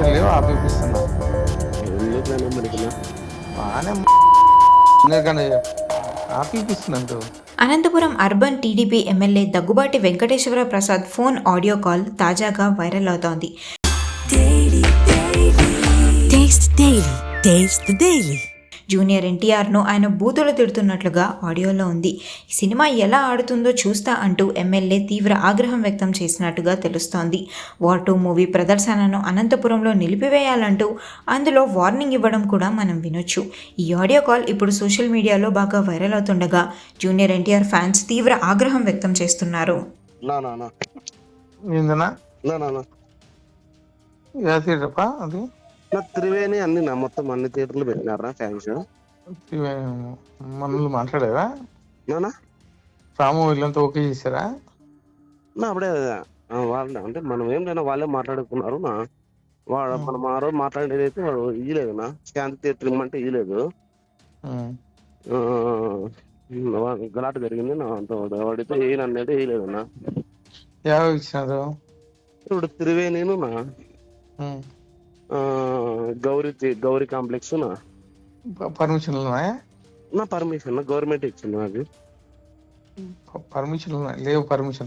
Permission లేవు ఆపిస్తున్నా. ఎందుకులైనా మనకినా బాగానే ఎందుకంటే ఆపిస్తున్నాడు. Anantapuram urban TDP MLA Daggubati Venkateswara Prasad phone audio call తాజాగా వైరల్ అవుతోంది. జూనియర్ ఎన్టీఆర్ను ఆయన బూతులు తిడుతున్నట్లుగా ఆడియోలో ఉంది. సినిమా ఎలా ఆడుతుందో చూస్తా అంటూ ఎమ్మెల్యే తీవ్ర ఆగ్రహం వ్యక్తం చేసినట్టుగా తెలుస్తోంది. వార్ 2 మూవీ ప్రదర్శనను అనంతపురంలో నిలిపివేయాలంటూ అందులో వార్నింగ్ ఇవ్వడం కూడా మనం వినొచ్చు. ఈ ఆడియో కాల్ ఇప్పుడు సోషల్ మీడియాలో బాగా వైరల్ అవుతుండగా జూనియర్ ఎన్టీఆర్ ఫ్యాన్స్ తీవ్ర ఆగ్రహం వ్యక్తం చేస్తున్నారు. అది త్రివేణి అన్ని మొత్తం అన్ని థియేటర్లు పెట్టినారా ఫ్యాన్స్? మనల్ని మాట్లాడారా? రాము వీళ్ళంతా ఓకే చేశారా? అప్పుడే వాళ్ళు అంటే మనం ఏం లేదా వాళ్ళే మాట్లాడుకున్నారు. మనం ఆ రోజు మాట్లాడేది అయితే వాడు ఇయ్యలేదు శాంతి థియేటర్ ఇమ్మంటే ఇయ్యలేదు. గలాట జరిగింది వాడితే వేయనన్నైతే వేయలేదన్నా. ఇచ్చినారు ఇప్పుడు త్రివేణిను గౌరీ కాంప్లెక్స్ పర్మిషన్ నా పర్మిషన్ గవర్నమెంట్ ఇచ్చింది నాకు. పర్మిషన్ లేవు. పర్మిషన్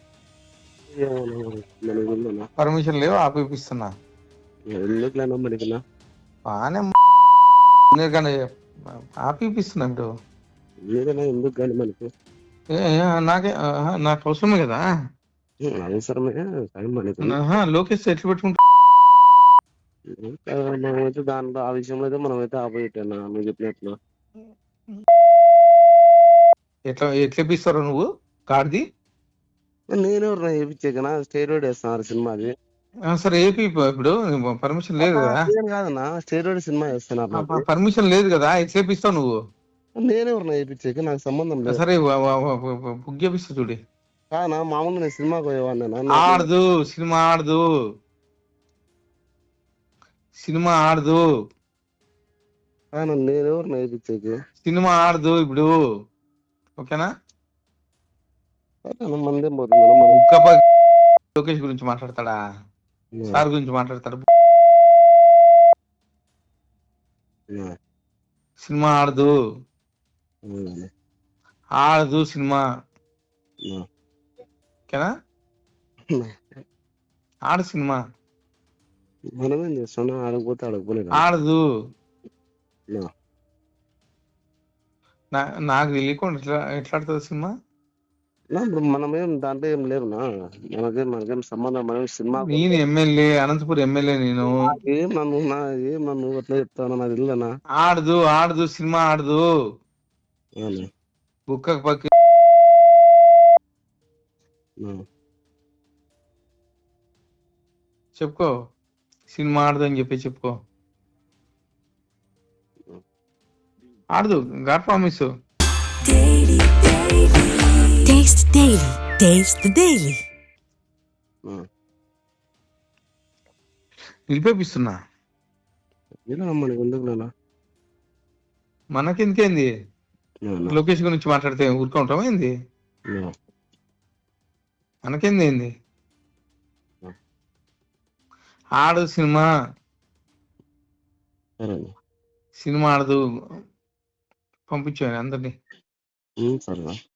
లేవు ఆపిస్తున్నా. ఎందుకులేనా మనకినా బాగానే ఎందుకంటే ఆపిస్తున్నాడు. లేదన్నా ఎందుకు కానీ మనకి నాకు అవసరమే కదా. అవసరమే మనకి లోకేష్ ఎట్లు పెట్టుకుంటా మనమైతే దాంట్లో ఆ విషయంలో అయితే మనమైతే ఆపోజిట్ అన్నా నువ్వు చెప్పినట్లు. ఎట్లా ఇప్పిస్తారో నువ్వు కార్ది? నేనెవరు వేయించాకనా స్టేరోయిడ్ వేస్తున్నారు సినిమాది. సరే ఏపీ ఇప్పుడు పర్మిషన్ లేదు కదా. కాదన్నా స్టేరోయిడ్ సినిమా వేస్తున్నారు, పర్మిషన్ లేదు కదా. ఎట్లా ఇప్పిస్తావు నువ్వు? నేనెవరు వేయించాక నాకు సంబంధం లేదు. సరే బుక్ చేపిస్తా చూడి. కాదన్నా మామూలుగా నేను సినిమాకి పోయేవాడినా. ఆడదు సినిమా ఆడదు నేనెవరు వేయించాక సినిమా ఆడదు ఇప్పుడు. ఓకేనా? మందేం పోతుంది. లోకేష్ గురించి మాట్లాడతాడా? సార్ గురించి మాట్లాడతాడు. సినిమా ఆడదు సినిమా. ఓకేనా? ఆడు సినిమా మనమేం చేస్తాను ఆడకపోతే ఆడకపోలేదు. ఆడదు. నాకు తెలియకుండా ఎట్లా ఆడుతుంది సినిమా? ఇప్పుడు మనమేం దాంట్లో ఏం లేవునా, మనకేం సంబంధం. మనం సినిమా నేను ఎమ్మెల్యే, అనంతపురం ఎమ్మెల్యే. నేను ఏం నన్ను అట్లా చెప్తాను నాకు తెలియదనా. ఆడదు సినిమా ఆడదు. బుక్క పక్క చెప్పుకో. సినిమా ఆడదు అని చెప్పి చెప్పుకో. ఆడదు. God promise. నిలిపేపిస్తున్నా. మనకెందుకేంది? లోకేష్ గురించి మాట్లాడితే ఊరుకుంటాం ఏంది? మనకేంది ఏంది? ఆడు సినిమా ఆడదు. పంపించాను అందరినీ.